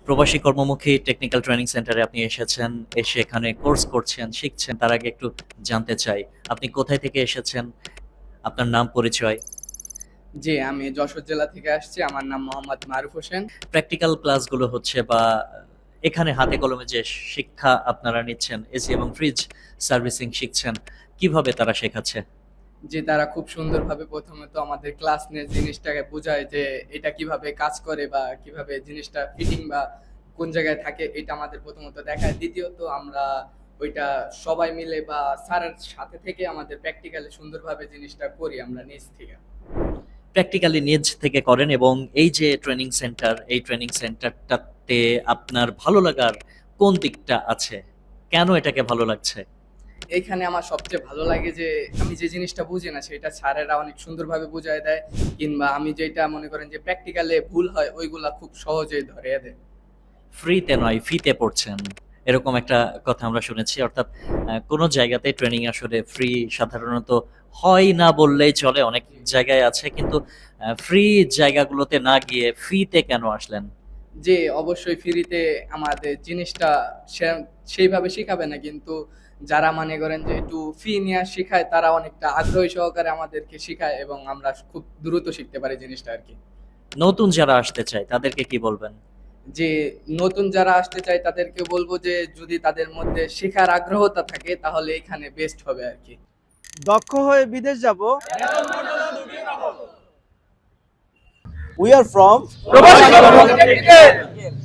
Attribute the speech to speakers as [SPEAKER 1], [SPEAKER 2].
[SPEAKER 1] প্রবাসী কর্মমুখী technical training সেন্টারে আপনি এসেছেন, এসে এখানে কোর্স করছেন, শিখছেন। তার আগে একটু জানতে চাই, আপনি কোথায় থেকে এসেছেন? আপনার নাম, পরিচয়।
[SPEAKER 2] জি, আমি যশোর জেলা থেকে আসছি। আমার নাম মোহাম্মদ মারুফ হোসেন।
[SPEAKER 1] প্র্যাকটিক্যাল ক্লাসগুলো হচ্ছে বা এখানে হাতে কলমে যে শিক্ষা আপনারা নিচ্ছেন, এসি এবং ফ্রিজ সার্ভিসিং শিখছেন, কিভাবে তারা শেখাচ্ছে?
[SPEAKER 2] যে তারা খুব সুন্দরভাবে প্রথমে তো আমাদের ক্লাস নিয়ে জিনিসটাকে বোঝায় যে এটা কিভাবে কাজ করে বা কিভাবে জিনিসটা ফিটিং বা কোন জায়গায় থাকে এটা আমাদের প্রথমত দেখায়। দ্বিতীয়ত আমরা ওইটা সবাই মিলে বা স্যারের সাথে থেকে আমাদের প্র্যাকটিক্যালি সুন্দরভাবে জিনিসটা করি আমরা নিজ থেকে।
[SPEAKER 1] প্র্যাকটিক্যালি নিজ থেকে করেন এবং এই যে ট্রেনিং সেন্টার, এই ট্রেনিং সেন্টারটাতে আপনার ভালো লাগার কোন দিকটা আছে? কেন এটাকে ভালো লাগছে?
[SPEAKER 2] এইখানে আমার সবচেয়ে ভালো লাগে যে আমি যে জিনিসটা বুঝি না সেটা স্যারেরা অনেক সুন্দরভাবে বুঝায় দেয়, কিংবা আমি যেটা মনে করেন যে প্র্যাকটিক্যালে ভুল হয় ওইগুলা খুব সহজেই ধরিয়ে দেয়।
[SPEAKER 1] ফ্রিতে নয়, ফিতে পড়ছেন। এরকম একটা কথা আমরা শুনেছি। অর্থাৎ কোনো জায়গাতে ট্রেনিং আসলে ফ্রি সাধারণত হয় না বললেই চলে। অনেক জায়গায় আছে। কিন্তু ফ্রি জায়গাগুলোতে না গিয়ে ফিতে কেন আসলেন?
[SPEAKER 2] যে অবশ্যই ফ্রিতে আমাদের জিনিসটা সেইভাবে শিখাবে না, কিন্তু যারা মনে করেন যে একটু ফি নিয়ে শিখায় তারা অনেকটা আগ্রহী সহকারে আমাদেরকে শিখায় এবং আমরা খুব দ্রুত শিখতে পারি জিনিসটা আর কি।
[SPEAKER 1] নতুন যারা আসতে চায় তাদেরকে কি বলবেন?
[SPEAKER 2] যে নতুন যারা আসতে চায় তাদেরকে বলবো যে যদি তাদের মধ্যে শেখার আগ্রহতা থাকে তাহলে এখানে বেস্ট হবে আর কি।
[SPEAKER 3] দক্ষ হয়ে বিদেশ যাব। উই আর ফ্রম
[SPEAKER 2] প্রবাসী কর্মমুখী টেকনিক্যাল।